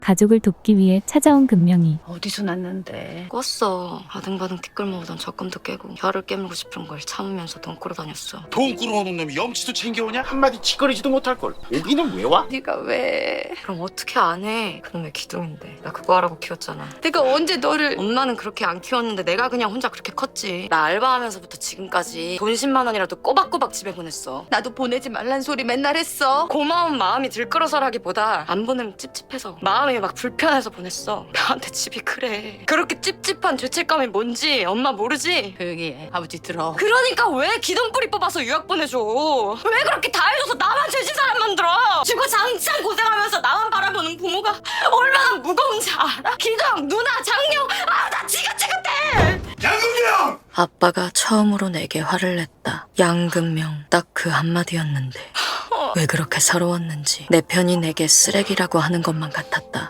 가족을 돕기 위해 찾아온 금명이. 어디서 났는데? 꿨어. 바등바등 티끌 모으던 적금도 깨고 혀를 깨물고 싶은 걸 참으면서 돈 꾸러 다녔어. 돈 끌어오는 놈이 염치도 챙겨오냐? 한마디 짓거리지도 못할 걸. 여기는 왜 와? 네가 왜? 그럼 어떻게 안 해? 그놈의 기둥인데. 나 그거 하라고 키웠잖아. 내가 언제 너를? 엄마는 그렇게 안 키웠는데 내가 그냥 혼자 그렇게 컸지. 나 알바하면서부터 지금까지 돈 10만 원이라도 꼬박꼬박 집에 보냈어. 나도 보내지 말란 소리 맨날 했어. 고마운 마음이 들끓어서라기보다 안 보내면 찝찝해서 마음이 막 불편해서 보냈어. 나한테 집이 그래. 그렇게 찝찝한 죄책감이 뭔지 엄마 모르지? 조용히 해. 아버지 들어. 그러니까 왜 기둥뿌리 뽑아서 유학 보내줘? 왜 그렇게 다 해줘서 나만 죄진 사람 만들어? 지금 장창 고생하면서 나만 바라보는 부모가 얼마나 무거운지 알아? 기둥, 누나, 장녀, 나 지긋지긋해! 양금명! 아빠가 처음으로 내게 화를 냈다. 양금명, 딱 그 한마디였는데 왜 그렇게 서러웠는지 내 편이 내게 쓰레기라고 하는 것만 같았다.